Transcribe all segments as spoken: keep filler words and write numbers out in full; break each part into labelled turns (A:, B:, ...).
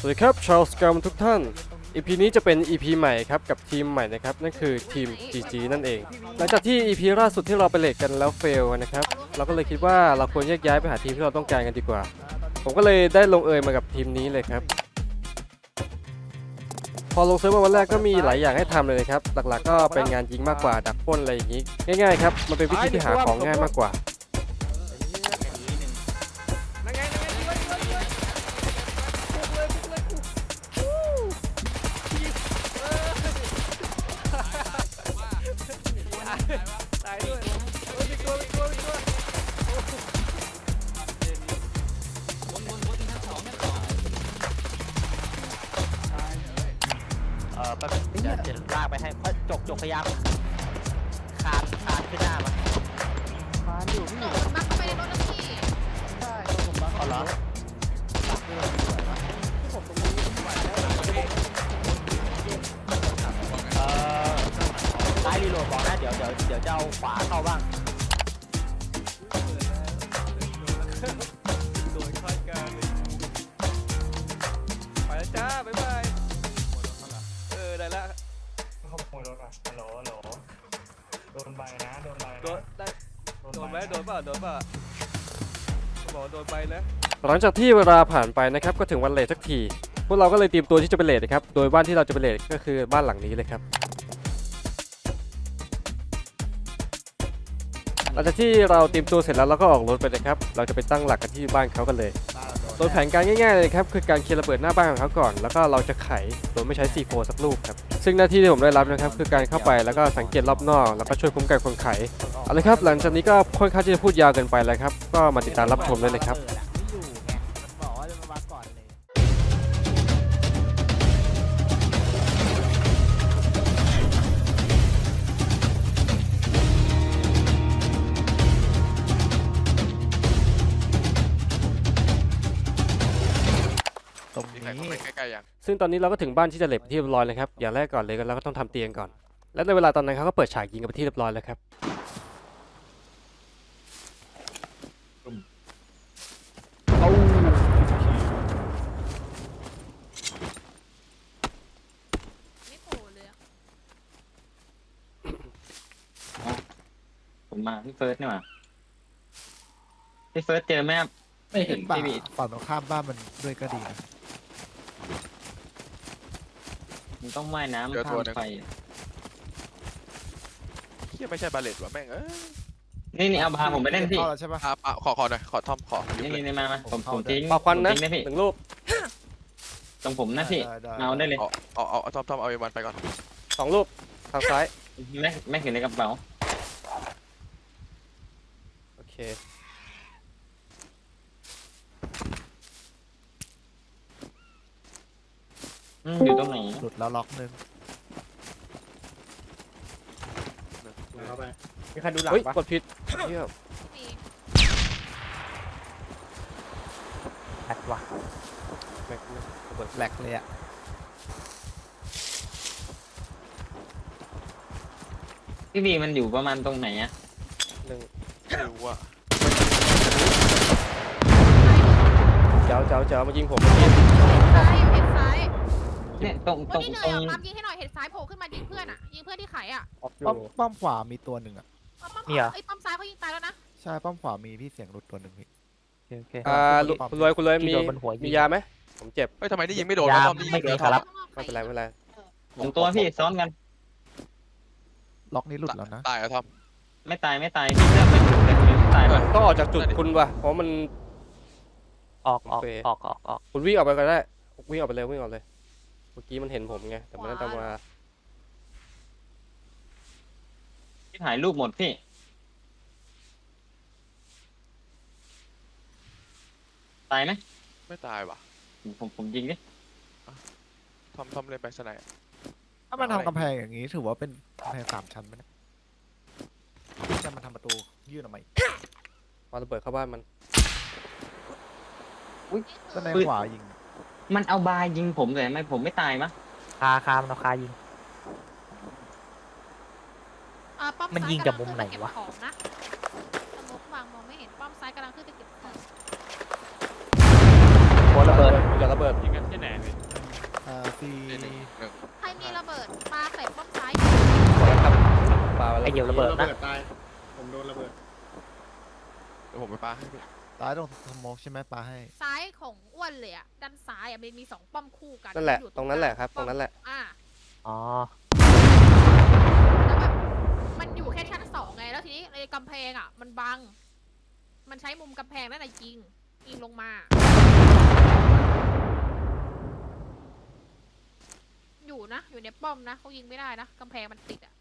A: สวัสดีครับชาวสกรมทุกท่าน อี พี นี้จะเป็น อี พี ใหม่ครับกับทีมใหม่นะครับนั่นคือทีม จี จี นั่นเองหลังจากที่ อี พี ล่าสุดที่เราไปเลทกันแล้วเฟลนะครับเราก็เลยคิดว่าเราควรแยกย้ายไปหาทีมที่เราต้องการกันดีกว่าผมก็เลยได้ลงเอยมากับทีมนี้เลยครับพอลงเซิร์ฟมาวันแรกก็มีหลายอย่างให้ทำเลยนะครับหลักๆก็เป็นงานยิงมากกว่าดักปล้นอะไรอย่างนี้ง่ายๆครับมันเป็นวิธีที่หาของง่ายมากกว่า
B: ตายด้วยโอ้ยมีตัวมีตัวมีตัว
C: เออแป๊บนึงเดี๋ยวจะลากไปให้เอ้ยจกจกพยายามคานคานขึ้นหน้ามา
D: มาอยู่พี่
E: โดดมาเข้าไปในรถแล้วพี่
D: ใช่ผมมา
C: เอาเหรอ
D: ที่ผมตรงนี้ไหวแล้ว
C: เออซ้ายรีโหลดก่อนนะเดี๋ยวเดี๋ยวเดี๋ยวจะเอาขวาเข้าบ้าง
B: โดนคาดการณ์เลยไปแล้วจ้าบ๊ายบายเออได้ละ
F: ขโมยรถอ่ะฮัลโหลฮัลโหลโดนใบนะ โดนใบ
B: โดน
F: นะ
B: ได้โดนไหมโดนเปล่าโดนเปล่าบอกโดนไปนะ
A: หลังจากที่เวลาผ่านไปนะครับก็ถึงวันเลทสักทีพวกเราก็เลยเตรียมตัวที่จะไปเลทนะครับโดยบ้านที่เราจะไปเลทก็คือบ้านหลังนี้เลยครับหลังจากที่เราเตรียมตัวเสร็จแล้วเราก็ออกรถไปเลยครับเราจะไปตั้งหลักกันที่บ้านเขากันเลยโดยแผนการง่ายๆเลยครับคือการเคลียร์ระเบิดหน้าบ้านของเขาก่อนแล้วก็เราจะไขโดยไม่ใช้ ซี โฟร์ สักลูกครับซึ่งหน้าที่ที่ผมได้รับนะครับคือการเข้าไปแล้วก็สังเกตรอบนอกแล้วก็ช่วยคุ้มกันคนไขเอาเลยครับหลังจากนี้ก็ค่อนข้างที่จะพูดยาวเกินไปแล้วครับก็มาติดตามรับชมได้เลยครับ
C: ไม่อยู่ไงมันบอกว่าจะมาก่อนเลย
D: ตรง
G: มีใคร
D: นี้
G: เข้าไปใกล้ๆยัง
A: ซึ่งตอนนี้เราก็ถึงบ้านที่จะเหล็บที่เรียบร้อยแล้วครับอย่างแรกก่อนเลยก็เราก็ต้องทำเตียงก่อน และในเวลาตอนนั้นเขาก็เปิดฉากยิงกันไปที่เรียบร้อยแล้วครับ
E: ไม่โผล่เลยอะ
H: ผมมาพี่เฟิร์สนี่หว่าพี่เฟิร์สเจอไหมครับ
D: ไม่เห็นป่า
H: พี่บี
D: ฝั่งตรงข้ามบ้านมันด้วยก็ดีนะ
H: มันต้องว่ายน้ำข้ามไป
G: เฮียไม่ใช่บาเลตว่ะแม่งเอ้ย
H: นี่นี่เอาพาผมไปเล่นพี่
D: เข้าแล้วใช่ปะ
G: อ่ะอ่ะขอขอหน่อยขอทอมขอยุบ
H: นี่
G: เลย
H: นี่มามาผมผมทิ้ง
A: ปอกควันนะ
H: ผมทิ้งนะพี่
A: หนึ่งลูก
H: ตรงผมนะพี่เอาได้เลย
G: เอาเอาเอาเอาทอมทอมเอาไอ้วันไปก่อน
A: สองลูกทางซ้าย
H: ไม่ไม่เห็นในกระเป๋า
A: โอเค
H: อืมอยู่ตรงไหน
D: หลุดแล้วล็อกนึง
H: มีใครดูหลัง
A: เฮ้ย
H: ปะ
A: กดผิดเหี้ย
E: มี
C: แอดว่ะ
A: แม็กนะระเบิด
D: แหลกเลยอะ
H: พี่บีมันอยู่ประมาณตรงไหนอะ
A: หนึ่ง
G: ไม่รู้อ่ะ
A: เจ้าเจ้าเจ้ามายิงผมเมื่อกี้
E: ซ้ายอยู่เห็ดซ้าย
H: เนี่ยตรง
E: ค
H: ตร
E: น
H: ง
E: ที่เหนื่
H: ต
E: อ
H: ร
E: ย
H: ง
E: อ่ะปั๊มยิงให้หน่อยเห็ดซ้ายโผล่ขึ้นมายิงเพื่อนอ่ะยิงเพื่อนที่ไขอ่ะ
D: ป้อมป้อมขวามีตัวหนึ่งอะ
E: ปั๊มปั๊มขวาไอ้ยปั๊มซ้ายเขายิงตายแล้วนะ
D: ใช่ป้อมขวามีพี่เสียงหลุดตัวหนึ่งพี่
C: โอเค
A: อ่าลุคุณรวยคุณรวยมี
C: ที่โดนบนหัวยิง
A: มียาไหมผมเจ็บ
G: เฮ้ยทำไมนี่ยิงไม่โดนวะ
C: ยาม
G: ทอมนี่ยิง
C: ไม่
G: ไม่
C: มี
G: โดน
C: ครับ
A: ไม่เป็นไรไม่เป็นไร
H: สองตัวพี่ซ้อนกัน
D: ล็อกนี้หลุดแล้วนะ
G: ตายเหรอ่ะทอม
H: ไม่ตายไม่ตายพี่เลือกไปอยู่แต่ผมยังไม่ตายว่ะ
A: ต้องออกจากจุดคุณว่ะเพราะมัน
C: ออกออก
A: โอเค
C: ออกออกออก
A: คุณวิ่งออกไปก็ได้วิ่งออกไปเลยวิ่งออกเลยเมื่อกี้มันเห็นผมไงแต่มันน่าจะมา
H: พี่ถ่ายรูปหมดพี่ตายไหม
G: ไม่ตายว่ะ
H: ผมผมยิงดิ
G: ทอมทอมเล่นไปสไนด์
D: ถ้ามันทำกำแพงอย่างนี้ถือว่าเป็นกำแพงสามชั้นไหมเนี่ยจะมาทำประตูยื่นออกมาอีก
A: มาระเบิดเข้าบ้านมัน
D: ด้านในขวายิง
H: มันเอาบายยิงผมเลยทำไมผมไม่ตายมะ
C: คาคามันเอาคายิง
E: อ่าปั๊ม
C: มัน
E: ซ้า
C: ยิงจากมุมไหนวะ
E: กำลังขึ้ปเก็บของนะสมมติวางมองไม่เห็นปั๊มซ้ายกำลังขึ้นไปเก็บของ
C: หัวระเบิด
A: อย่าระเบิด
F: ยิงกันที่ไหนพี่
D: สี่
G: นี่หนึ่งหนึ่ง
E: ใครมีระเบิดปาใส่ป้อมซ้าย
A: ขอแล้วครับปาไป
C: ไอ
A: แล้ว
C: เดียวระเบิดนะ
I: ตาย ผมโดนระเบิด
G: เดี๋ยวผมไปปาให้พี่
D: ตายตรงสโมกใช่ไหมปาให้
E: ซ้ายของอ้วนเลยอะด้านซ้ายอะมันมีสองป้อมคู่กัน
A: นั่นแหละ
E: อยู่
A: ตรงนั้นแหละครับ
E: ป้อม
A: ตรงนั้นแหละ
E: อ่า
C: อ๋อ
E: แล้วแบบมันอยู่แค่ชั้นสองไงแล้วทีนี้ในกำแพงอะมันบัง มันใช้มุมกำแพงนั่นแหละยิงยิงลงมา อยู่นะ อยู่ในป้อมนะเขายิงไม่ได้นะกำแพงมันติดอะ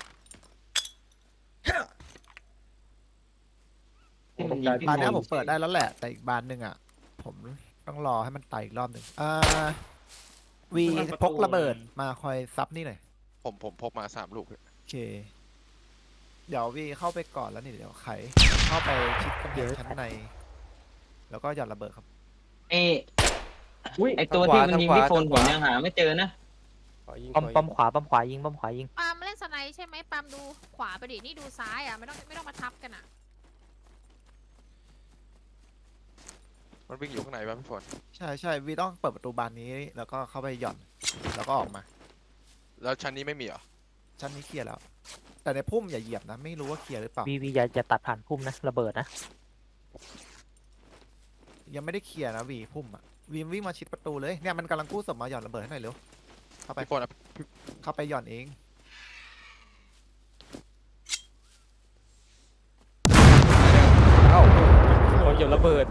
H: ที่มันยิงพี่
D: บานเนี้ย
H: โม
D: ผมเปิดได้แล้วแหละ แต่อีกบานหนึ่งอ่ะ ผมต้องรอให้มันไต่อีกรอบหนึ่งอ่าวีพกระเบิดมาคอยซับนี่หน่อย
G: ผมผมพกมาสามลูกพี่
D: โอเค เดี๋ยววีเข้าไปก่อนแล้วนี่เดี๋ยวไขเข้าไปชิดกำแพงชั้นใน แล้วก็หย่อนระเบิดครับ
H: เอ้ไอตัวที่มันยิงพี่โฟนผมยังหาไม่เจอนะ
A: ขอยิง
C: ป้อม
A: ขอยิง
C: ป้อมขวาป้อมขวายิงป้อมขวายิง
E: ปาล์มเล่นสไนด์ใช่ไหมปาล์มดูขวาไปดินี่ดูซ้ายอะไม่ต้องไม่ต้องมาทับกันอะ
G: มันวิ่งอยู่ข้างในป่ะพี่ฝน
D: ใช่ใช่วีต้องเปิดประตูบานนี้ แล้วก็เข้าไปหย่อน แล้วก็ออกมา
G: แล้วชั้นนี้ไม่มีเหรอ
D: ชั้นนี้เคลียร์แล้ว แต่ในพุ่มอย่าเหยียบนะ ไม่รู้ว่าเคลียร์หรือเปล่า
C: วีวีอย่าอย่าตัดผ่านพุ่มนะระเบิดนะ
D: ยังไม่ได้เคลียร์นะวีพุ่มอ่ะวีวิ่งมาชิดประตูเลย เนี่ยมันกำลังกู้ศพมาหย่อนระเบิดให้หน่อยเร็ว เข้าไป
G: พี่ฝนอะ
D: เข้าไปหย่อนเอง
A: เอ้าคนเหยียบระเบิด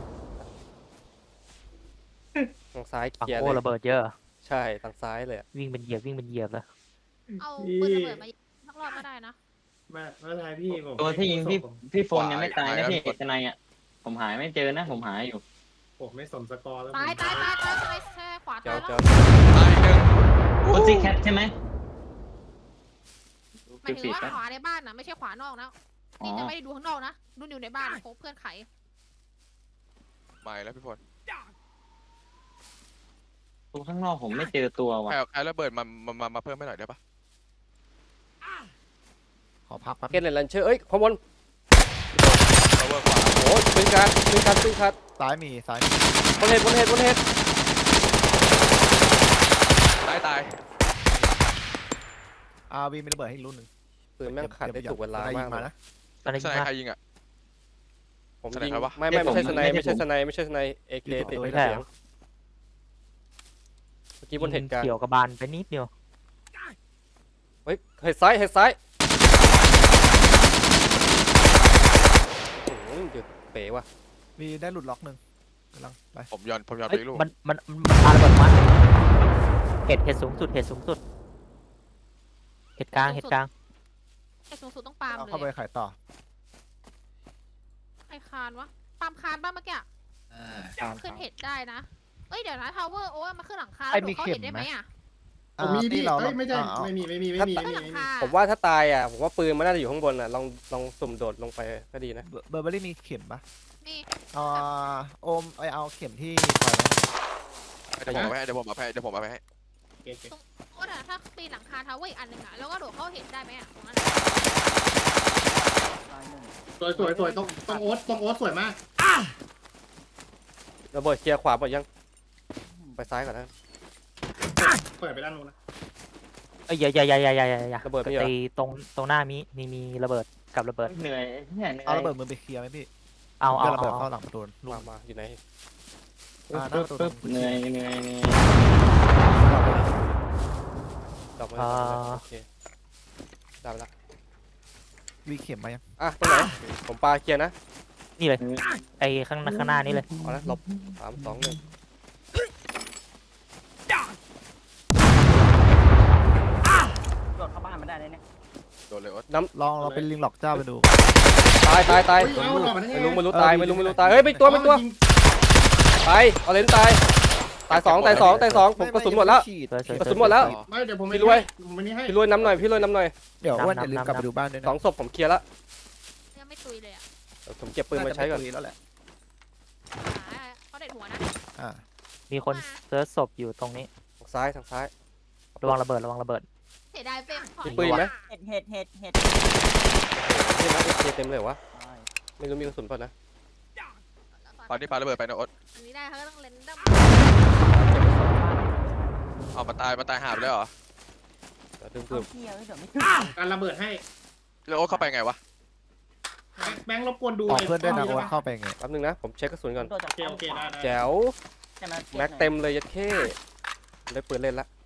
A: ทางซ้ายเค
C: ฝั่ง
A: ลียร์
C: โอ้
A: เลย
C: ระเบิดเยอะ
A: ใช่ทางซ้ายเลยอะ
C: วิ่งเป็นเหยียบวิ่งเป็นเหยียบเลย
E: เอาปืนระเบิดมายิงสักรอบก็ได้นะ
I: ไม่ไม่เป็นไรพี่ผม
H: ตัวที่ยิงพี่พี่โฟนยังไม่ตายนะพี่ทนายอ่ะผมหายไม่เจอนะ ผมหายอยู่
I: ผมไม่สนสกอร์แล้ว
E: ตายตายตายตายตายแช่ขวา
A: เจ้า
E: ตายแล้
A: เจ้า
E: ว
G: ตายหนึ่ง
H: โคซี่แคทใช่ไหม
E: หมายถึงว่าขวาในบ้านนะไม่ใช่ขวานอกนะ
H: อ๋อ
E: นี่จะไม่ได้ดูข้างนอกนะดูอยู่ในบ้านโคเพื่อนไข
G: ไม่แล้วพี่ฝน
H: ตัวข้างนอกผมไม่เจอตัว
G: ใค
H: ว่ะ
G: รเอาใครระเบิดมามามามาเพิ่มให้หน่อยได้ปะ
D: ขอพักแป๊บ
A: เกนเลนลันเชอร์เอ้ยข้างบน
G: เอาเวอร์ขวา
A: โอ้ยปืนการปืนการปืนคัด
D: ซ้ายมีซ้ายมี
A: บนเห็ดบนเห็ดบนเห็ด
G: ตายตาย
D: อาวีมีระเบิดให้อีกรุ่นหนึ่ง
A: ปืนแม่งขัดได้ถูกเวลามาก
D: มา
A: เลย
D: นะ
C: ตอนนี้
G: ส
C: ยิง
G: ไน
C: มา
G: ใครยิงอ่ะ
A: ผม
G: สไน
A: ยิง
G: ใครวะ
A: ไม่ไม่ไม่ใช่สไนไม่ใช่สไนไม่ใช่สไนเอเคติด
C: ไม่
A: เสี
C: ใช่
A: ย
C: เห
A: ง
C: รอ
A: เมื่อกี้บนเหตุการณ์
C: เกี่ยวกับบานไปนิดเดียว
A: เฮ้ยเห็ดซ้ายเห็ดซ้ายโอ้โหเดือดเป๋ว่ะ
D: มีได้หลุดล็อกหนึ่งกำลังไป
G: ผมย้อนผมย้อนไป
C: เอ้ย
G: อีกลูก
C: มันมันมันมันปาระเบิดมาเห็ดเห็ดสูงสุดเห็ดสูงสุดเห็ดกลางเห็ดกลาง
E: ไอ้สูงสุดต้องปาล์ม
D: เอา
E: เล
D: เข้าไป
E: ย
D: ขายต่อ
E: ไอ้คานวะปาล์มคานบ้างเมื่อกี้อะขึ้นเห็ดได้นะเอ้ยเดี๋ยวนะทาวเวอร์โอ้มาขึ้นหลังคาแล้วโดดเข้าเห็ดได้ไหมอะ
I: ผมมี
D: อ่า
I: พี่
D: ที่เรา
I: เอ้ยไม่ใช่
D: อ่าเอา
I: ไม่มีไม่มีไม่มีไม่
E: ขึ้น
I: มี
E: หลัง
I: ไม่มี
E: คา
A: ผมว่าถ้าตายอ่ะผมว่าปืนมันน่าจะอยู่ข้างบนอ่ะลองลองสุ่มโดดลงไปก็ดีนะ
D: เบอร์เบอร์เบอรี่มีเข็มปะ
E: นี่
D: อ่าโอมไอเอาเข็มที่ปล่อยนะ
G: เดี๋ยวผมเอาไปให้เดี๋ยวผมเอาไปให้เดี๋ยวผมเอาไปให้
I: เก็บเก็บ
E: โอ้แต่ถ้าปีนหลังคาทาวเวอร์อีกอันหนึ่งอะแล้วก็โดดเข้าเห็ดได้ไหมอะตรงนั้นอะ
I: สวยสวยสวยต้องต้องโอ๊ตต้องโอ๊ตสวยมาก
A: ระเบิดเคลียร์ขวาหมดยัง ไปซ้ายก่อนนะ
I: เปิดไปด้านนู้นนะ
C: เอ้ยอย่าอย่าอย่าอย่าอย่าอย่าอย่า
A: ระเบิดไม่เหรอ
C: ตีตรงตรงหน้ามีมีมีระเบิดกับระเบิด
H: เหนื่อยเนี่ยเหนื่อย
D: เอาระเบิดมือไปเคลียร์ไหมพี่
C: เอาเอา
D: เดี๋ยวระ
C: เอา
D: เบิด
C: เอา
D: เข้าหลังประตูลูก
A: มามาอยู่ไหน
D: อ่าหน้าประตูตรง
H: เหนื่อยเหนื่อยเหนื่อย
A: ดอกไม้โอเคได้ไปละ
D: วีเข็มมายัง
A: อ่ะตรงไหนผมปาเคลียร์นะ
C: นี่เลยไอ้ข้างข้างหน้านี่เลย
A: เอาละหลบสามสองหนึ่ง
H: โดดเข้าบ้านมาได้เลยเนี่ย
G: โดนเลยโอ๊ต
D: ลองเราเป็นลิงหลอกเจ้าไปดู
A: ตายตายตาย
I: เฮ้ยเอาหล่อมาได้ไง
A: ไม่รู้ไม่รู้ตายไม่รู้ไม่รู้ตายเฮ้ยไม่ตัวไม่ตัวตายเอาเลนตายตายสองตายสองตายสองผมกระสุนหมดแล้ว
C: สวยสวย
A: กระสุนหมดแล้ว
I: ไม่เดี๋ยวผม
A: พี่รวย
I: ผมวันนี้ให้
A: พี่รวยน้ำหน่อยพี่รวยน้ำหน่อย
D: เดี๋ยวอ้วนอย่าลืมกลับไปดูบ้านด้วย
A: ส
D: นะ
A: องศพผมเคลียร์ละ
E: ยังไม่ตุยเลยอะ
A: เดี๋ยวผมเก็บปืนมาใช้ก่อน
D: าจะเป็แล้วแหละ
E: หาเขาเด็ดหัวนะ
D: อ่า
C: มีคนเซิร์ชศพอยู่ตรงนี้
A: ทางซ้ายทางซ้าย
C: ระวังระเบิดระวังระเบิด
E: เสียดายเฟรมขอ
A: มีปืนไหม
H: เห็ดเห็ดเห็ดเห็ด
A: เห็นไหมเอเคเต็มเลยวะไม่รู้มีกระสุนเปล่านะ
G: ตอนนี้ปาระเบิดไปนะโอ๊ต
E: อันนี้ได้เขาก็ต้องเลนดัม
A: เ
G: เอามาตายมาตายหาบเลยเหรอ
A: เดี๋ยวดึงปืน
C: เที่ยวเดี๋ยวไม่
I: การระเบิดให้
G: แล้วโอ๊ตเข้าไปไงวะ
I: แบงค์แบงค์รบกวนดู
D: บอก
I: ไ
D: เพื่อนด้วยนะ
I: ห้
D: โอ๊
I: ง
D: ตเข้าไปไง
A: แป๊บนึงนะผมเช็คกระสุนก่อน
C: โดนจาก
I: โอเคโอเคได้ได้
A: แจ๋ว
C: ใช่ไหม
A: แม็กเต็มเลยยัดเข้ได้ปืนเล่นละ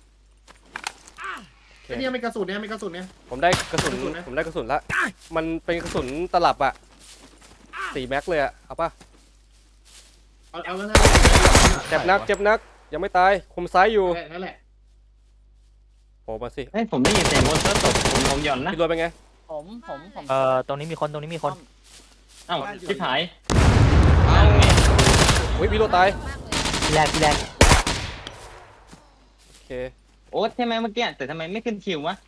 A: โอเค
I: ไอ้เนี่ยมีกระสุนเนี่ยมีกระสุนเนี่ย
A: ผมได้กระสุน
I: กระสุนนะ
A: ผมได้กระสุนละมันเป็นกระสุนตลับอะสี่แม็กเลยอะเอาป่ะ
I: เอาเอาไว้
A: เจ็บนักเจ็บนักยังไม่ตายคุมซ้ายอยู่
I: นั่นแหละ
A: โผล่มาสิ
H: เฮ้ยผมได้ยินเสียงรถเซิร์ฟตกผมผมหย่อนนะ
A: พี่รวยเป็นไง
C: ผมผมผมเอ่อตรงนี้มีคนตรงนี้มีคน
H: เอ้าชิบหาย
G: เอา
A: อุ้ยพี่รวยตาย
E: มากเลย
C: พี่แรกพี่แรก
A: โอเค
H: โอ๊ตใช่ไหมเมื่อกี้แต่ทำไมไม่ขึ้นคิววะ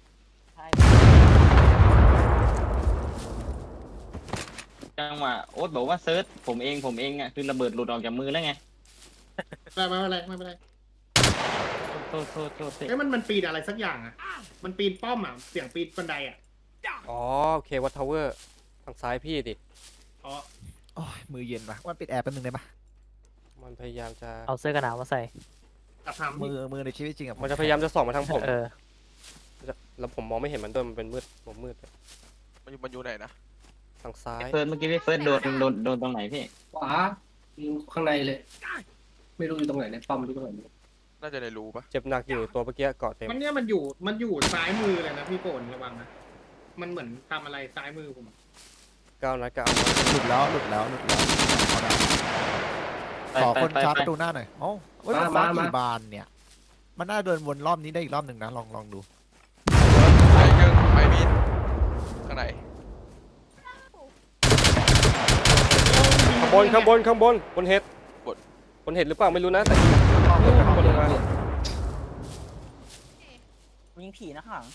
H: จังหวะโอ๊ตบอกว่าเซิร์ชผมเองผมเองอ่ะคือระเบิดหลุดออกจากมือแล้วไง
I: ไม่ไม่เป็นไรไม่เป็นไร
H: โทษโทษโทษโทษ
I: เอ้ยมันมันปีนอะไรสักอย่างอ่ะ มันปีนป้อมอ่ะเสียงปีนบันไดอ่ะ
A: อ๋อโอเควัตทาวเวอร์ทางซ้ายพี่ดิ
I: อ๋อ
D: โอ้ยมือเย็นปะว่าปิดแอร์แป๊บนึงได้ปะ
A: มันพยายามจะ
C: เอาเสื้อกันหนาวมาใส่
I: กระทำ
D: มือมือในชีวิตจริงอะ
A: มันจะพยายามจะส่องมาทางผม
C: เออ
A: แล้วผมมองไม่เห็นมันด้วยมันเป็นมืดผมมืด
G: มันอยู่มันอยู่ไหนนะ
A: ทางซ้าย
H: เฟิร์สเมื่อกี้พี่เฟิร์สโดนโดนโดนตรงไหนพี่
F: ขวาอยู่ข้างในเลย ไม่รู้อยู่ตรงไหนในปั๊มอยู่ตรงไหน
G: น่าจะในรูปะ
A: เจ็บหนักอยู่ตัวเมื่อกี้เกาะเต็ม
I: มันเนี่ยมันอยู่มันอยู่ซ้ายมือเลยนะพี่โกนระวังนะมันเหมือนทำอะไรซ้ายมือผม
A: ก้าวนะก้าวนะ
D: หลุดแล้วหลุดแล้วหลุดแล้วเอาได้
H: ไป
D: ขอ
H: ไป
D: คน
H: ไป
D: ชาร์จ
H: ไป
D: ประตูหน้าหน่อยโอ้เฮ้ยมันฟ้ากี่บานเนี่ย มันน่าเดินวนรอบนี้ได้อีกรอบหนึ่งนะลองลองดู
G: ไปเยิ่งไปมีดข้างไหน
A: ข้างบนข้างบนข้างบนบนเห็ดบนเห็ดหรือเปล่าไม่รู้นะแต่ข้างบนข้างบนลงมา
C: ยิงผีนะข้างหลัง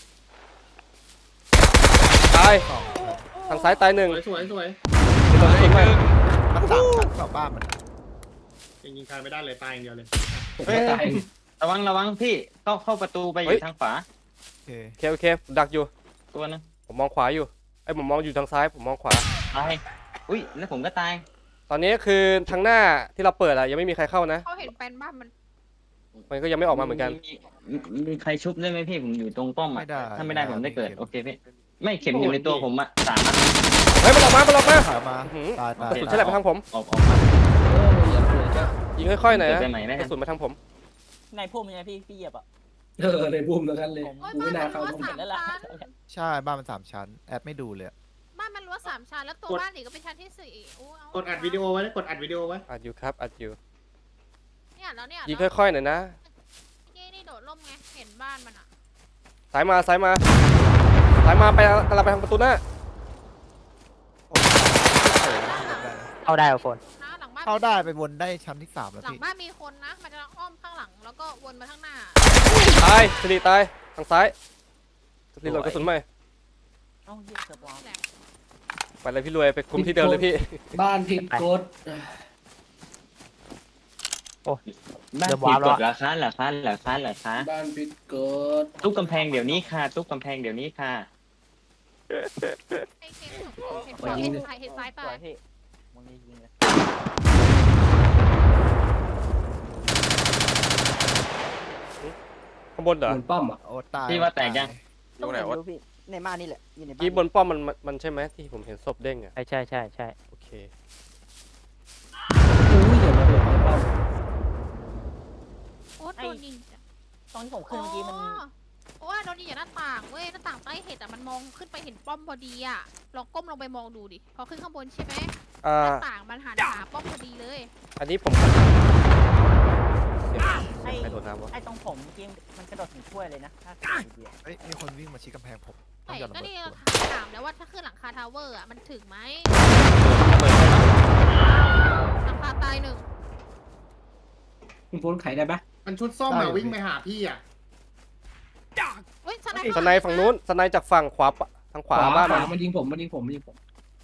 A: ตายทางซ้ายตายหนึ่ง
I: สวยสวยสวย
A: โดนกระสุนไป
D: มันสามชั้นกว่าบ้านมัน
I: ยิงยิงใครไม่ได้เลยตายอย่างเดียวเลย
F: ผมก็ตาย
H: ระวังระวังพี่เข้าเข้าประตูไปอยู่ทางขวา
D: โอเค
A: โอเคโอเคดักอยู่
H: ตัวนึง
A: ผมมองขวาอยู่ไอ้ยผมมองอยู่ทางซ้ายผมมองขวา
H: ตายอุ้ยแล้วผมก็ตาย
A: ตอนนี้คือทางหน้าที่เราเปิดอะยังไม่มีใครเข้านะ
E: เขาเห็นแปลนบ้านมัน
A: มันก็ยังไม่ออกมาเหมือนกัน
H: มีมีใครชุบได้ไหมพี่ผมอยู่ตรงป้อม
D: ไม่
H: อ่ะ
D: ได้
H: ถ้าไม่ได้ผมได้เกิดโอเคพี่ไม่เข็มอยู่ในตัวผมอ่ะสามนัด
A: เฮ้ยมันออกมามันออกมา
D: ถอยมา
A: อื้อหือ
D: ตายตาย
A: กระสุนใช่แหละไปทางผม
H: ออกออกมา
F: โอ้ยอย่าเผื่อจะ
A: ยิงค่อยๆหน่อย
H: เกิด
A: นะ
H: ไปใหม่ได้
A: กระสุนมาทางผม
C: ในพุ่มยังไงพี่พี่เหยียบอ่ะ
F: เออในบูมแล้วกันเลย
E: โอ้ย
F: กู
E: บ้า
F: ไม่
E: น
F: น่า
E: มัน
F: เข้า
E: รั้ว
F: ตรง
E: สาม
F: นั้น
E: ชั้น
D: ใช่บ้านมันสามชั้นแอดไม่ดูเลยอะ
E: บ้านมันรั้วสามชั้นแล้วตัวบ้านอีกก็เป็นชั้นที่สี่โอ้เอา
I: กดอัดวิดีโอไว้กดอัดวิดีโอไว้
A: อัดอยู่ครับอัดอยู่
E: เนี่ยแล้วเนี่ย
A: ยิง
E: แล้ว
A: ค่อยๆหน่อยนะ
E: นี่นี่โดดร่มไงเห็นบ้านมันอ่ะ
A: สายมาสายมาสายมาไปกำลังไปทางประตูหน้า
C: เอาได้เอาโฟน
E: นะหลังบ้าน
D: เข้าได้ไปวนได้ชั้นที่สามแล้ว
E: หลัง
D: พี่
E: บ้านมีคนนะ มันจะอ้อมข้างหลังแล้วก็วนมาข้างหน้า
A: ตายสิริตายทางซ้ายสิริโหลดกระสุนใหม่
C: เอ้าเยี่ยเกือบวาง
E: แหละ
A: ไปเลยพี่รวยไปคุมที่เดิมเลยพี่
F: บ้านผิดกฎ
H: บ้าน
C: เริ่ม
H: ผิ
C: วา
H: ด
C: ร์ปแล้
H: ก
C: ว
H: ฎเหราคาเหราคาเหราคาเหราคา
F: บ้านผิดกฎ
H: ทุบกำแพงเดี๋ยวนี้ค่ะทุบกำแพงเดี๋ยวนี้ค่ะ
E: ไอ้เคนเห็นขวาเห็นซ้ายเห็นซ้าย
C: ส
E: ตา
C: วย ยพี่มึงนี่ยิงเลย
A: ข้างบนเหรอ
F: เหมือนป้อมอ่ะ
D: โอ้ตาย
H: พี่ว่าแตกยัง
G: อยู่ไหนวะ
C: พี่ในบ้านนี่แหละอยู่ในบ้าน
A: กี้บนป้อมมันมันมันใช่ไหมที่ผมเห็นศพเด้งอ่ะ
C: ใช่ใช่ใช่ใช่
A: โอเค
F: อุ้ยอย่ามาเปิดในป้อม
E: โอ้โดนยิงจ้ะ
C: ตอนที่ผมขึ้นเมื่อกี้มัน
E: โอ้โดนยิงจากหน้าต่างเว้ยหน้าต่างใต้เห็ดอ่ะมันมองขึ้นไปเห็นป้อมพอดีอ่ะลองก้มลงไปมองดูดิพอขึ้นข้างบนใช่ไหม
A: อ่า
E: หน้าต่างมันหันหาป้อมพอดีเลย
A: อันนี้ผมเสียงเสียงใครโดนน้ำวะ
C: ไอ้ตรงผมเมื่อกี้มันกระโดดถึงถ้วยเลยนะถ้าเกิดดี
D: เฮ้ยมีคนวิ่งมาชี้กำแพงผมต้อ
E: ไอ้
D: งหย่อนระ
E: ก็
D: เบิด
E: นี่
D: ตัว
E: ถามแล้วว่าถ้าขึ้นหลังคาทาวเวอร์อ่ะมันถึงไหม
A: ระเบิดใช่ไหม
E: หลังคาตายหนึ่ง
F: คุณพ้นไขได้ปะ
I: มันชุดส้มมาวิ่งไปหาพี่อ่ะ
E: เฮ้ยสไน
A: สไนด์ฝั่งนู้นสไนด์จากฝั่งขวาปะทางขวาบ้าน
F: ข
A: มั
F: วาน มันยิงผมมันยิงผมมันยิงผม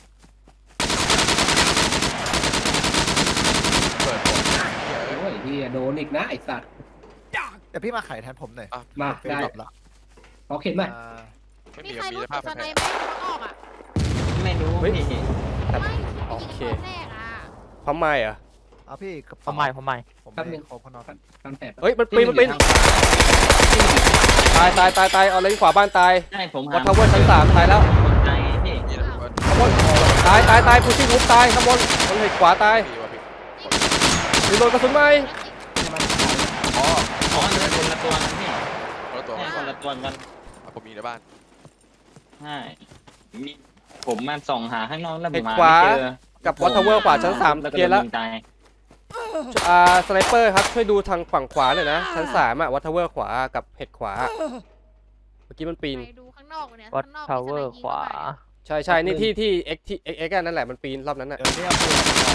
G: เปิดผมเหี้ยเอ้ย
F: โอ้ยที่โดนอีกนะไอสัตว์
D: แต่พี่มาไขแทนผมหน่อย
F: มา
D: เฟซ
F: ได้
D: ดรอปละ
F: ขอเข็นไหม
D: อ่า
G: ไม่
E: มี
G: มี
E: ใคร
G: มี
E: รู้
G: สภา
E: จุ
G: พ
E: ดส
G: แผ
E: ไน
G: ล
E: ไหมมันออกอ่ะ
H: ไม่รู้พี่
E: ไม่
A: โอเค
E: ยิงตอนแรกอ่ะ
A: พร้อมไม้เหรอ่ะ
D: เอาพี่กระ
C: ผ
D: เป๋าม
C: ใหม่ผมใหม่
D: ผมไม่ได้ครบข้างนอก
I: ตามแถบ
A: เฮ้ยมันปีนมันปีนตายตายตายตายเอาเลนขวาบ้านตาย
H: ใช่ผมหา
A: วัดทาวเวอร์ชั้นสามตายแล้ว
H: คนตายไงพี่
G: มีระเบิด
A: ข้างบนตายตายตายผู้ที่ทุบตายข้างบนบนเหตุขวาตาย
G: พี่วะพี่
A: มีโดนกระสุนไหม
G: อ๋อ
H: อ๋อมันคนละตัวกันพี่
G: คนละตัว
H: ใช่คนละตัวกัน
G: อ่ะผมมีในบ้าน
H: ใช่มีผมมาส่องหาข้างนอกแล้ว
A: เห
H: ผม
A: ตุ
H: หา
A: ขวา
H: ไม่เจอ
A: กับวัดทาวเวอร์ขวาชั้นสาม
H: แล้วก็
A: เคลียร์แล้ว
H: โดนยิงตาย
A: อ่าสไนเปอร์ครับช่วยดูทางฝั่งขวาหน่อยนะชั้นสามอะวัดทาวเวอร์ขวากับเหตุขวาเมื่อกี้มันปีน
E: ไปดูข้างนอกเนี่ย
C: วัด
E: ข้างนอก
C: ทาวเวอร์
E: มีสไนยิง
C: ขวา
E: เข้ม
A: ใช่ใช่นี่ที่ที่เอ็กที่เอ็กเอ็กนั่นแหละมันปีนรอบนั้นน่ะ
D: เดี๋ยวนี้เอาปืน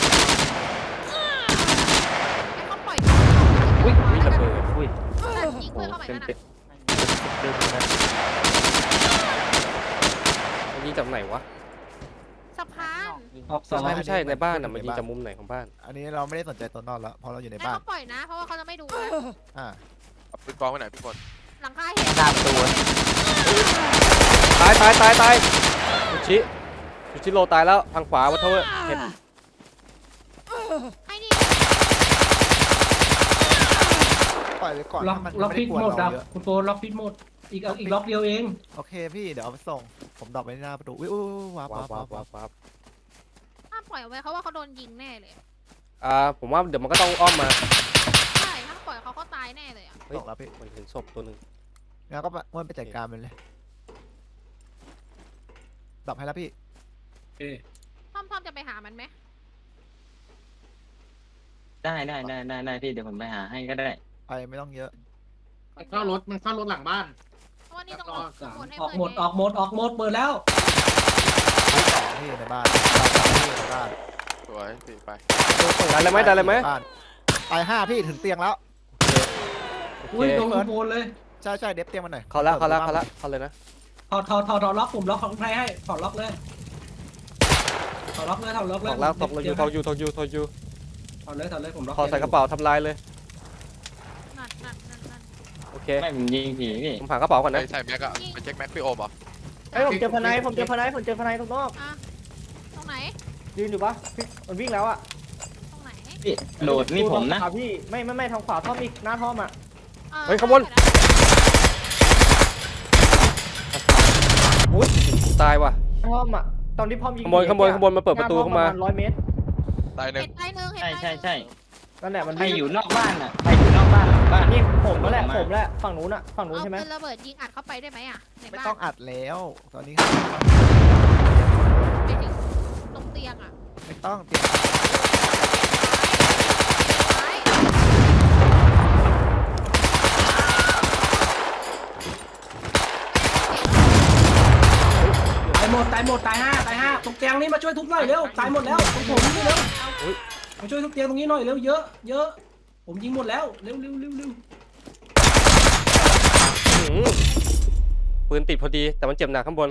E: ให้เขาปล่อย
A: อุ้ยอุ้ยระเบิด
C: อุ้ย
E: ยิงเพื่อนเข้าไป
C: เต็ม
E: นั่น
C: เต็
E: น่ะ
C: มเต็มเลยนะ
A: มันยิงจากไหนวะ
E: สะพาน
I: ออกสอง
A: ไม่ไม่ใช่ในบ้านอ่ะมันยิงจากมุมไหนของบ้าน
D: อันนี้เราไม่ได้สนใจตัวนอกแล้วเพราะเราอยู่ใน
E: ให้
D: บ้าน
E: เขาปล่อยนะ เพราะว่าเขาจะไม่ดูนะ
D: อ่า
G: เอาปืนกองไว้ไหนพี่คน
E: หลังคาเห็น
C: หน้าประตู
A: ตายตายตายตายชูชิชูชิโลตายแล้วทางขวาวัดทาวเวอร์เห็น
E: ไอ้นี่
D: ปล่อยไว้ก่อน
I: ล็อก
D: ถ้ามัน
I: ล็อก
D: ไม่
I: พิ
D: ได้
I: ษ
D: กลัว
I: หมด
D: เรา
I: อ่ะ
D: เยอะ
I: คุณโฟนล็อกพิษหมดอีกเอาอีกล็อกเดียวเอง
D: โอเคพี่เดี๋ยวเอาไปส่งผมดรอปไว้หน้าประตูอุ้ยอุ้ยอุ้ยว้าว
A: ว้า
D: ว้าว ว
A: ว้า
D: ว้าว ว
A: ว้าวว้าว
E: ห้ามปล่อยเอาไว้เขาว่าเขาโดนยิงแน่เลย
A: อ่าผมว่าเดี๋ยวมันก็ต้องอ้อมมา
E: ใช่ถ้าปล่อยเขาเขาตายแน่เลยอ่ะ
A: เฮ้ย
D: ส่งแล้วพี่
A: มันเห็นศพตัวหนึ่ง
D: งั้นก็ม้วนไปจัดการมันเลยดรอปให้แล้วพี่
I: เอ๊ะ
E: พ่อมพ่อมจะไปหามันไหม
H: ได้ได้ได้ได้ได้พี่เดี๋ยวผมไปหาให้ก็ได้
D: ไปไม่ต้องเยอะ
I: มันเข้ารถมันเข้ารถหลังบ้าน
E: เพราะว่านี่ต้อง
I: ร
E: อ
I: อ
E: อก
I: สาม
E: หมดให้
I: ออก
E: เพื่อน
I: หมดออกหมดออกหมดเปิดแล้ว
D: สองที่ในบ้านสองที่ในบ้าน
G: สวยพี่ไป
A: ได้เลยไหมได้เลยไหม
D: บ้านตายห้าพี่ถึงเตียงแล้ว
A: โอ
I: อุ้ย
A: เค
I: โดนคุณโฟนเลย
D: ใช่ใช่เด็บเตียงมันหน่อย
A: เขาละเขาละเขาละเขาเลยนะ
I: ถอดถอดถอดถอดล็อกผมล็อกของไทยให้ถอดล็อกเลยถอดล็อกเลยถอดล็อกเลย
A: ตอกแล้วตอกเลยอยู่ตอกอยู่ตอกอยู่ตอกอยู่
I: ถอดเลยถอดเลยผมล็อก
A: ขอใส่กระเป๋าทำลายเลย
E: นั่นนั่นนั่นนั่น
A: โอเค
H: ไม่ผมยิงผีพี่
A: ผมหากระเป๋าก่อน
G: ไป
A: นะ
G: ใส่แม็กอะไปเช็คแม็กพี่โอมเหรอ
J: เอ้ยผมเจอพนัยผมเจอพนัยผมเจอพนัยตรงนอก
E: อ่ะตรงไหน
J: ยืนอยู่ปะพี่มันวิ่งแล้วอ่ะ
E: ตรงไหน
H: พี่โดดนี่ผมนะ
J: ทางขวาพี่ไม่ไม่ไม่ทางขวาท่อมอีกหน้าท่อมอ่ะ
E: อ่อ
A: เฮ้ยขบวน อุ้ยตายว่ะ
J: ท่อมอ่ะตอนที่พ่อมยิง
A: ขโมยขโมยขโมยมาเปิดประตูเข้ามา
J: ร้อยเมตร
G: ตายหนึ่
E: เห็
G: ง
E: นไตหนึ่งเห็น
H: ใช่
E: ไต
H: ใช่ใช่
J: นั่นแหละมัน
H: ใครอยู่นอกบ้านอ่ะใครอยู่นอกบ้านหลังบ้าน
J: นี่ผมแล้วแหละผมแหละฝั่งนู้นอ่ะฝั่งนู้น
E: เอา
J: ใช่ไหม
E: ปืนระเบิดยิงอัดเข้าไปได้ไหมอ่ะใน
D: ไม่
E: บ้าน
D: ต้องอัดแล้ว ตอนนี้
E: ไปถึงตรงเตียงอ่ะ
D: ไม่ต้องเตียง
E: ซ้าย
I: ตายหมดตายหมดตายห้าตายห้าตรงเตียงนี่มาช่วยทุบหน่อยเร็วตายหมดแล้วตรงผมนี่เร็วมาช่วยทุบเตียงตรงนี้หน่อยเร็วเยอะเยอะผมยิงหมดแล้วเร็วเร็วเร็วเร็ว
A: อื้อหือปืนติดพอดีแต่มันเจ็บหนักข้างบน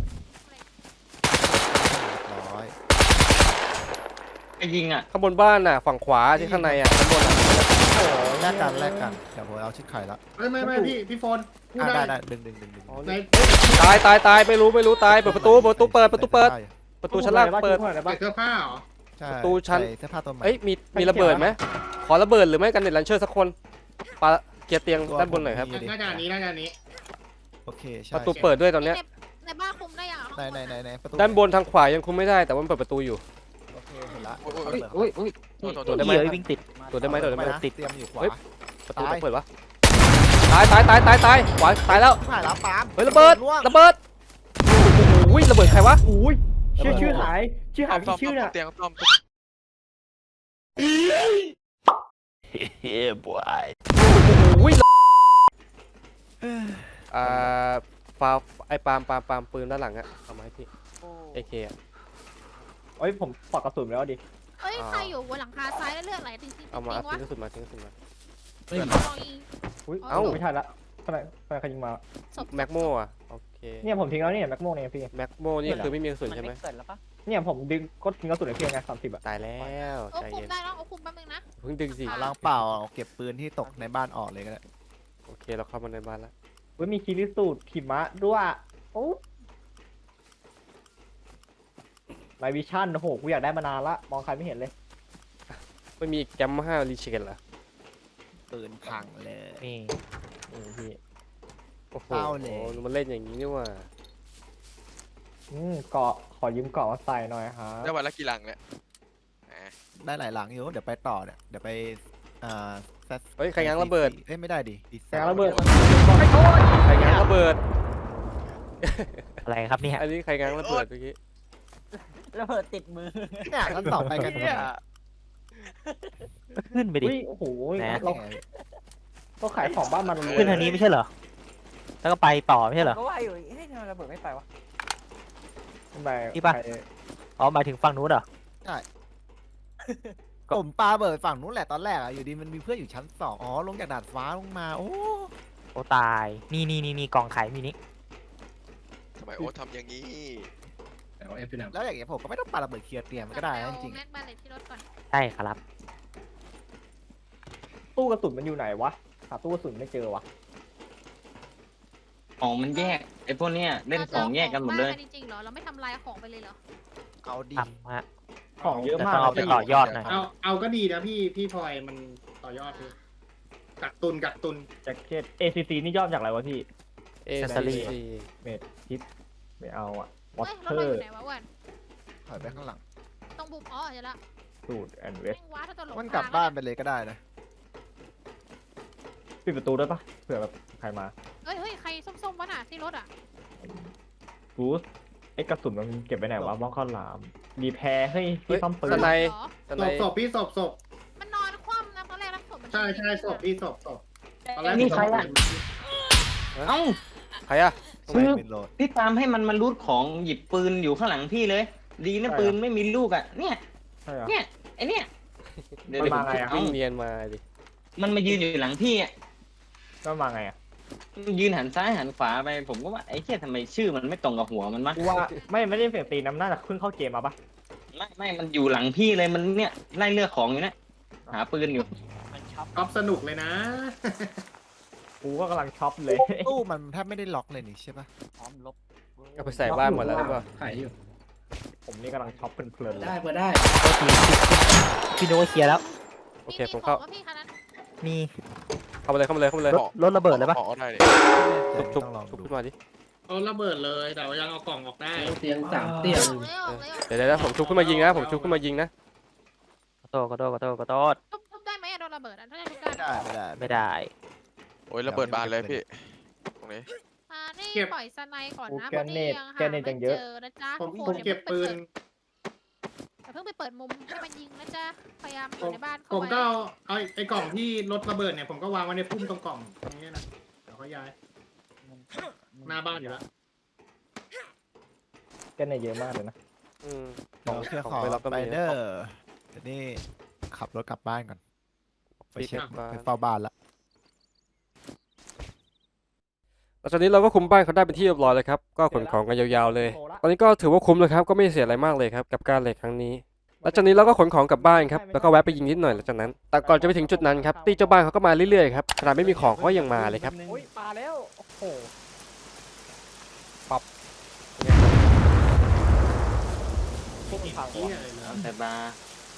D: ร้อย
H: ไอ้ยิงอ่ะ
A: ข้างบนบ้านน่ะฝั่งขวาที่ข้างในอ่ะข้างบนอ่ะ
D: แลกกันแลกกันเดี๋ยวผมเอาชิ้นไข่ละ
I: ไม่ไม่ไม่พี่พี่โฟนพูด
D: อ่ะ
I: ได้
D: ได้ได้ดึงดึงดึงดึง
A: อ๋อ
I: ใน
A: นี่ตายตายตายไม่รู้ไม่รู้ตายเปิดประตูเปิดประตูเปิดประตูเปิดประตูชั้นล่างเปิด
J: ไหนบ้าง
I: เสื้อผ้าเหรอ
D: ใช่
A: ประตูชั้น
D: ใส่เสื้อผ้าตัวใหม่
A: เอ้ยมีมีระเบิดไหมขอระเบิดหรือไม่กันเน็ตลันเชอร์สักคนปาเกียร์เตียงด้านบนหน่อยครับ
D: มีดิ
I: น่าจะอันนี้น่าจะอันนี้
D: โอเคใช่
A: ประตูเปิดด้วยตอนเนี้ย
E: ในในบ้านคุมได้ยังอ่ะ
D: ในในในในประตู
A: ด้านบนทางขวายังคุมไม่ได้แต่ว่ามันเปิดประตูอยู่
D: โอเคเห็นละ
G: โอ้ยโอ้ย
C: อุ้ยอุ้ย
G: โทษโทษโท
A: ตัว
G: ษ
A: ได้ไหม
C: เหี้ยวิ่งติด
A: ตัวได้ไหมตัวได้ไหม
D: นะ
A: ติด
D: เตรียมอยู่ขวา
A: เฮ้ย ประตู
D: ตาย
A: ต้องเปิดวะตายตายตายตายตายขวาตายแล้ว
D: ผ่านแล้วปาล์ม
A: เฮ้ยระเบิด
D: ล่วง
A: ระเบิดโอ้โหระเบิดใครวะ
J: อุ้ยชื่อชื่อหายชื่อหาย
G: ต้อ
J: พี่
G: ม
J: ชื่อ
G: ต้อ
J: น่ะ
G: มเตียงต้อม
A: โอ้ยอ่าฟาวไอ้ปาล์มปาล์มปาล์มปืนด้านหลังอะเอามาให้พี่เอเคอะ
J: เอ้ยผมปอกกระสุนไปแล้วดิ
E: เอ้ยใครอยู่บนหลังคาซ้ายแล้วเลือดไหลจริงจริง
A: เอามา
E: จริ
A: เอา
E: งวะ
A: ทิ้งกระสุนมาทิ้งกระสุนมา
E: ลองยิง
J: อุ้ย
E: เอ้า
J: ไม่ทันละทำไมทำไมใครยิงมา
E: ศพ
A: แม็กโมอะโอเค
J: เนี่ยผมทิ้งแล้วเนี่ยแม็กโมเนี่ยพี่
A: แม็กโมนี่คือไม่มีกระสุนใช่ไหม
C: เกิดแล้วปะ
J: เนี่ยผมดึงก็ทิ้งกระสุนไอ้เพียงไงสามสิบอะ
A: ตายแล้ว
E: โอ้
A: ใจ
E: คุม
A: เย็น
E: ได้แล้วเอาคุมแป๊บนึงนะ
A: เพิ่งดึงสิ
E: อ่ะ
D: ล้างเปล่าเอาเก็บปืนที่ตกในบ้านออกเลยก็ได้
A: โอเคเราเข้ามาในบ้านแล้ว
J: เว้ยมีคิริสูตรหิมะด้วยโอ้ไลวิชั่นโอ้โหกูอยากได้มานานละมองใครไม่เห็นเลย
A: ไม่มีแกมห้ารีเชนเหรอ
D: ปืนพังเลย
C: นี่
J: นี่พี่
A: โอ้โห
D: เศร้าเลย
A: มันเล่นอย่างนี้นี่หว่า
J: อืมเกาะขอยืมเกาะมาใส่หน่อยฮะ
G: ได้วันละกี่ลังเนี่ยแหม
D: ได้หลายหลังอยู่เดี๋ยวไปต่อเนี่ยเดี๋ยวไปอ่า Z-
A: เฮ้ยใครง้างระเบิด
D: เอ้ยไม่ได้ดิดีเซ
J: แต่
D: ล
J: ระเบิด
A: ใครง้างระเบิด
C: อะไรครับเนี่ย
A: อันนี้ใครง้างระเบิดเมื่อกี้
C: ระเบิดติดมือ
D: เนี่ยกันต่อไปกันเนี่ย
C: ขึ้นไปดิ
J: อุ้ยโอ้โห
C: แหม
J: เราเราขายของบ้านมัน
C: ขึ้นทางนี้ไม่ใช่เหรอ แล้วก็ไปต่อไม่ใช่เหรอ
B: ก็ว่าอยู่เฮ้ยทำไมระเบิดไม่ไปวะ
J: ขึ้นไป
C: นี่ปะ
J: ไป
C: อ๋อหมายถึงฝั่งนู้นเหรอ
D: ผมปาเบิดฝั่งนู้นแหละตอนแรกอะอยู่ดีมันมีเพื่อนอยู่ชั้นสองอ๋อลงจากดาดฟ้าลงมาโอ้
C: โอ้ตาย นี่นี่นี่นี่กล่องไข่มีนี่
G: ทำไมโอ๊ตทำอย่างนี้
I: เอาเอฟไปไหน
D: แล้วอย่างเงี้ยผมก็ไม่ต้องปาระเบิดเคลียร์เตรียมมันก็ได้นะจริง
E: แม็กบาเลตที่รถก่อน
C: ใช่ครับ
J: ตู้กระสุนมันอยู่ไหนวะหาตู้กระสุนไม่เจอวะ
H: ของมันแยกไอ้พวกเนี้ยเล่นของแยกกันหมดเลย
E: ราจะอาของบ้าจริงๆเหรอ เราไม่ทำลายของไปเลยเหรอ
D: ๆเอาดี
C: ทำฮะ
J: ของเยอะ
C: แต่
J: มาก
C: ต้องเอาไป
J: พี่
C: ต่อยอดหน่อย
I: เอาเอาก็ดีนะพี่พี่พลอยมันต่อยอดพี่กักตุนกักตุน
J: แจ็คเก็ต เอ ซี ซี นี่ย่อมาจากอะไรวะพี่
A: เอ
C: Accessory
A: ซี
J: เมดทิปไม่เอาอะวอ
E: เฮ้ย
J: เต
E: รถ
J: อ
E: เราอ
J: ร์
E: ยู่ไหนวะวัน
D: ถอยไปข้างหลัง
E: ตรงบุมอ๋อเห็นละ
J: สูตรแอนเวส
E: แม่งว้าถ้าตลก
D: มันกลับบ้านไปเลยก็ได้นะ
J: ปิดประตูได้ปะเผื่อแบบใครมา
E: เฮ้ยเฮ้ยใครส้มๆวะน่ะที่รถอ่ะ
J: บูสไอ้กระสุนมันเก็บไว้ไหนวะบ้องข้าวหลามรีแพร์เฮ้ยพี่ซ่อมปืน
A: สไน
E: เหรอ
A: ส
I: ศ
A: ไน
I: พศพพี่ศพศพ
E: มันนอนคว่ำนะตอนแรกนะศพมัน
I: ใช่ใช่ศพพี่ศพศพตอนแรก
H: นี่ใครอะ เอ้า
A: ใครอะ
H: คือ
D: เป็นโหลด
H: พี่ตามให้มันมารูดของหยิบปืนอยู่ข้างหลังพี่เลย ดีนะปืนไม่มีลูกอ่ะ เนี่ย
J: ใช่เหรอ
H: เนี่ยไอเนี่ยเดี๋ยว
J: มัน
H: เดี๋ยวผม
J: มาไงอะ
H: เอ้า
A: วิ่งเนียนมาดิ
H: มันมายืนอยู่หลังพี่อ่ะ
J: ก็มาไงอะ
H: มันยืนหันซ้ายหันขวาไปผมก็ว่าไอ้เหี้ยทำไมชื่อมันไม่ตรงกับหัวมันมะ
J: กูว่าไม่ไม่ได้เสียงตีน้ำน่าจะขึ้นเข้าเกมมาปะ
H: ไม่ไม่มันอยู่หลังพี่เลยมันเนี่ยไล่เลือกของอยู่เนี่ยหาปืนอยู่
I: ก๊อฟสนุกเลยนะ
J: กูก็กำลังช็อปเลย
D: ตู้มันแทบไม่ได้ล็อกเลยนี่ใช่ปะ
A: เอาไปใส่บ้านหมดแล้วหรือเปล่า
I: ขายอยู่
J: ผมนี่กำลังช็อปเพลินๆเลย
I: ได้เปิดได้
C: พี่โน้ตเคลียร์แล้ว
A: โอเค
E: มี
A: ผมเข้า
E: ของวะพี่คันนั้น
C: มี
A: เข้ามาเลยเข้ามาเลยเข้ามาเลย
C: รถรถระเบิดเลยปะ
G: ขอได้เลย
A: ทุบทุบ
D: ต้องลอง
A: ทุบ
D: ดู
A: ขึ้นมาดิ
I: เอาระเบิดเลยแต่ว่ายังเอากล่องออกได้
B: เตียงสามเตียง
E: ออกเลยออกเลยออก
A: เดี๋ยวเดี๋ยวนะผมชุบขึ้นมายิงนะผมชุบขึ้นมายิงนะ
C: ขอโทษขอโทษขอโทษขอโทษ
E: ทุบทุบได้ไหมอะโดนระเบิดอะถ้าจะทุบได้
D: ไม่ได้ไม่ได้
C: ไม่ได้
G: โอ้ยระเบิดบานเลยพี่ตรงนี้
E: อ่านี่
I: เก็บ
E: ปล่อยสไนก่อน
J: โอ้
E: นะ
J: แก
E: เพราะ
J: เน
E: นี่
J: ต
E: ยัง
J: แก
E: หา
J: เนต
E: ไม่
J: จังเยอะ
E: เจอนะจ๊ะ
I: ผม
E: ทุก
I: ผ
E: ค
I: ม
E: น
I: เก็บปืน
E: อย่าเพิ่งไปเปิดมุมให้มันยิงนะจ๊ะพยายามอ
I: ผ
E: ยู่
I: ม
E: ในบ้าน
I: ผ
E: เข้าม ไว้
I: ก็เอาเอาไอ้กล่องที่รถระเบิดเนี่ยผมก็วางไว้ในพุ่มตรงกล่องตรงนี้นะเดี๋ยวเขาย้ายหน้าบ้านอยู่แล้ว
J: แกเนตเยอะมากเลยนะ
A: อืม
D: เดี๋ยวเคลียร์ของ
A: ไปรับก็
D: ไป
A: มี
D: เดอร์เดี๋ยวนี้ขับรถกลับบ้านก่อนไปเช็ค
A: กลับบ้าน
D: ไปเฝ้าบ้านละ
A: แล้วตอนนี้เราก็คุมบ้านเขาได้เป็นที่เรียบร้อยเลยครับ ก็ขนของกันยาวๆเลย ตอนนี้ก็ถือว่าคุ้มเลยครับ ก็ไม่เสียอะไรมากเลยครับกับการเหล็กครั้งนี้ แล้วจากนี้เราก็ขนของกลับบ้านครับ แล้วก็แวะไปยิงนิดหน่อยหลังจากนั้น แต่ก่อนจะไปถึงจุดนั้นครับตีเจ้าบ้านเขาก็มาเรื่อยๆครับ ขนาดไม่มีของเขาก็ยังมาเลยครับ
J: โอ้ยมาแล้ว โอ้โห พวกมันพัง
I: เหี้
J: วะ
I: ยเลยนะ
H: แต่บาร์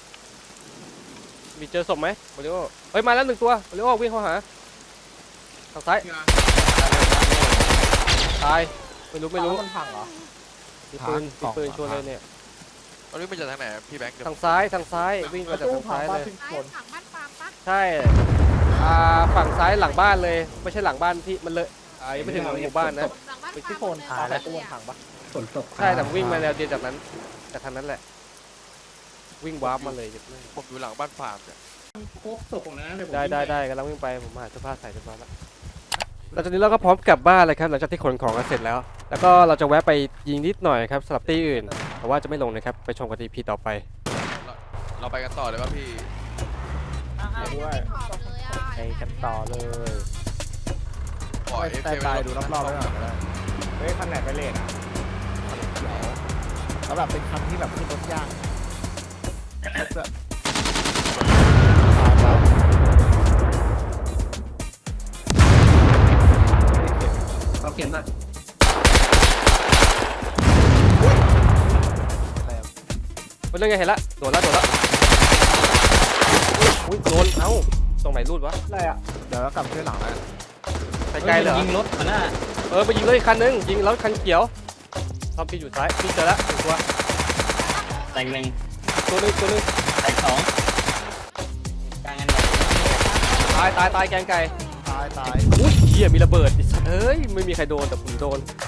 A: มีเจอศพไหมโอริโอเฮ้ยมาแล้วหนึ่งตัวโอริโอวิ่งเข้าหาทางซ้ายตายไม่รู้ไม่รู้
J: มันพังเหรอ
A: มีปืนมีปืนชวนเลยเนี่ย
G: ตอนนี้มันจะทางไหนพี่แบงค์เดี๋ยว
A: ทางซ้ายทางซ้ายวิ่งมาจาก
J: ตู้
A: ทาง
J: พัง
A: ซ้าย
J: บ้า
A: เลย
J: ขึ้น
E: ซ้าย
J: คน
E: ฝั่งบ้านฟาร์มปะ
A: ใช่อ่าฝั่งซ้ายหลังบ้านเลยไม่ใช่หลังบ้านที่มันเลยอ่ายังไม่ถึงหมู่บ้านนะ
E: หลังบ้าน
A: ไป
E: ฟา
A: ที่
E: ร์ม
A: โซน
E: เลย
J: ตายแล้ว
E: เล
J: ตู้
E: ย
J: มัน
E: อะ
J: พังปะ
I: ฝนตก
A: ใช่แต่วิ่งมาแนวเดียวจากนั้นจากทางนั้นแหละ วิ่งวาร์ปมาเลย
G: ผมอยู่หลังบ้านฟาร์มเนี่ย
I: ครบศพของนั้นเลยผม
A: ได้ได้ได้กำลังวิ่งไปผมหาเสื้อผ้าใส่เรียบร้อยแล้วหลังจากนี้เราก็พร้อมกลับบ้านเลยครับหลังจากที่ขนของกันเสร็จแล้ว แล้วก็เราจะแวะไปยิงนิดหน่อยครับสำหรับที่อื่นแต่ว่าจะไม่ลงนะครับไปชมกันที่พีต่อไป
G: เราไปกันต่อเลยป่ะพี่
E: อ่าๆ
J: ด้วย
E: ไม่ขอบเลยอะ
C: ไปกันต่อเลย
G: ปล่อยเอฟ
D: แต่
G: เค
D: ตายดูรอบๆไว้ก่อนก็ได้
J: เฮ้ยคันไหนไปเลทอ่ะ
D: แล้วแบบเป็นคันที่แบบขึ้นรถยากแบบตายแล้ว
I: เราเก็บหน่อย
A: มันเรื่องไงเห็นละโดดละโดดละอุ้ยโดนเอ้าตรงไหนรูดวะ
J: อะไรอ่ะ
D: เดี๋ยวกลับช่วยหลังแล้วกัน
A: ไกลๆเลยเหรอ
H: ยิงรถมาหน้า
A: เออไปยิงเลยอีกคันนึงยิงแล้วคันเขียวทอมพี่อยู่ซ้ายพี่เจอแล้วหนึ่งตัว
H: แต่งหนึ่ง
A: ตัวหนึงตัวหนึง
H: แต่งสองกลางกันใหญ่
A: ตายตายตายแกงไก่
D: ตายตาย
A: อุ้ยเหี้ยมีระเบิดไอ้สัสเอ้ยไม่มีใครโดนแต่ผมโดน